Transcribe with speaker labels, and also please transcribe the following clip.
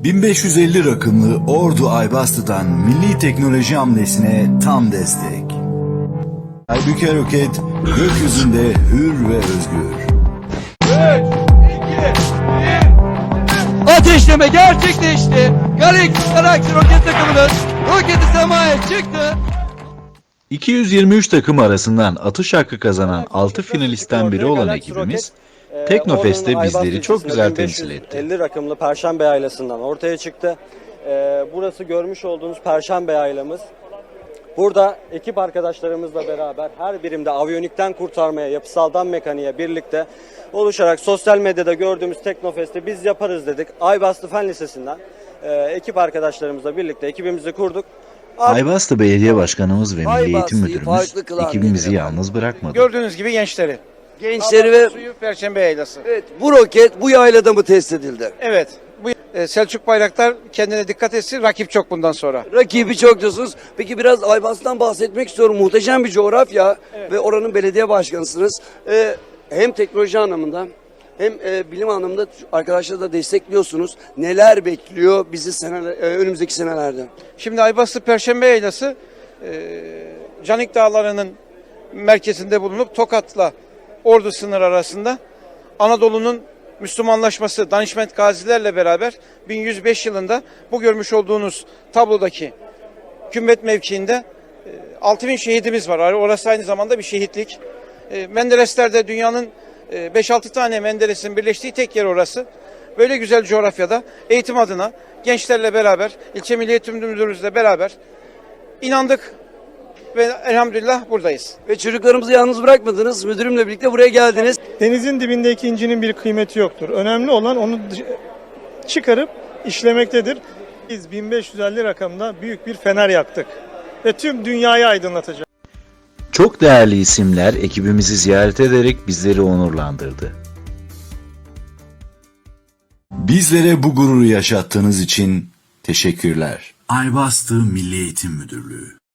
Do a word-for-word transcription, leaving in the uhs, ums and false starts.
Speaker 1: bin beş yüz elli rakımlı Ordu Aybastı'dan milli teknoloji hamlesine tam destek. Aybüke Roket gökyüzünde hür ve özgür.
Speaker 2: Ateşleme gerçekleşti. Galaxy Galaxy roket takımının roketi semaya çıktı.
Speaker 3: iki yüz yirmi üç takım arasından atış hakkı kazanan altı finalistten biri olan ekibimiz, Teknofest'te bizleri çok güzel temsil etti.
Speaker 4: elli rakımlı Perşembe Yaylası'ndan ortaya çıktı. Ee, burası görmüş olduğunuz Perşembe Yaylamız. Burada ekip arkadaşlarımızla beraber her birimde aviyonikten kurtarmaya, yapısaldan mekaniğe birlikte oluşarak sosyal medyada gördüğümüz Teknofest'i biz yaparız dedik. Aybastı Fen Lisesi'nden e, ekip arkadaşlarımızla birlikte ekibimizi kurduk.
Speaker 3: Aybastı Belediye Başkanımız ve Milli Eğitim
Speaker 5: Aybastı'yı
Speaker 3: Müdürümüz
Speaker 5: farklı kılan
Speaker 3: ekibimizi
Speaker 5: nedir
Speaker 3: yalnız bırakmadı.
Speaker 6: Gördüğünüz gibi gençleri.
Speaker 5: Gençleri ve
Speaker 6: Suyu Perşembe Yaylası.
Speaker 5: evet, bu roket bu yaylada mı test edildi?
Speaker 6: Evet. Bu e, Selçuk Bayraktar kendine dikkat etsin. Rakip çok bundan sonra.
Speaker 5: Rakibi çok diyorsunuz. Peki biraz Aybastı'dan bahsetmek istiyorum. Muhteşem bir coğrafya ve oranın belediye başkanısınız. Ee, hem teknoloji anlamında hem e, bilim anlamında arkadaşları da destekliyorsunuz. Neler bekliyor bizi seneler, e, önümüzdeki senelerde?
Speaker 6: Şimdi Aybastı Perşembe Yaylası e, Canik Dağları'nın merkezinde bulunup Tokat'la Ordu sınır arasında Anadolu'nun Müslümanlaşması Danişment Gazilerle beraber bin yüz beş yılında bu görmüş olduğunuz tablodaki kümbet mevkiinde e, altı bin şehidimiz var. Orası aynı zamanda bir şehitlik. E, Menderesler'de dünyanın e, beş altı tane Menderes'in birleştiği tek yer orası. Böyle güzel coğrafyada eğitim adına gençlerle beraber, ilçe Milli Eğitim Müdürümüzle beraber inandık ve elhamdülillah buradayız.
Speaker 5: Ve çocuklarımızı yalnız bırakmadınız. Müdürümle birlikte buraya geldiniz.
Speaker 7: Denizin dibindeki incinin bir kıymeti yoktur. Önemli olan onu çıkarıp işlemektedir. Biz bin beş yüz elli rakamda büyük bir fener yaktık ve tüm dünyayı aydınlatacağız.
Speaker 3: Çok değerli isimler ekibimizi ziyaret ederek bizleri onurlandırdı.
Speaker 1: Bizlere bu gururu yaşattığınız için teşekkürler. Aybastı Milli Eğitim Müdürlüğü.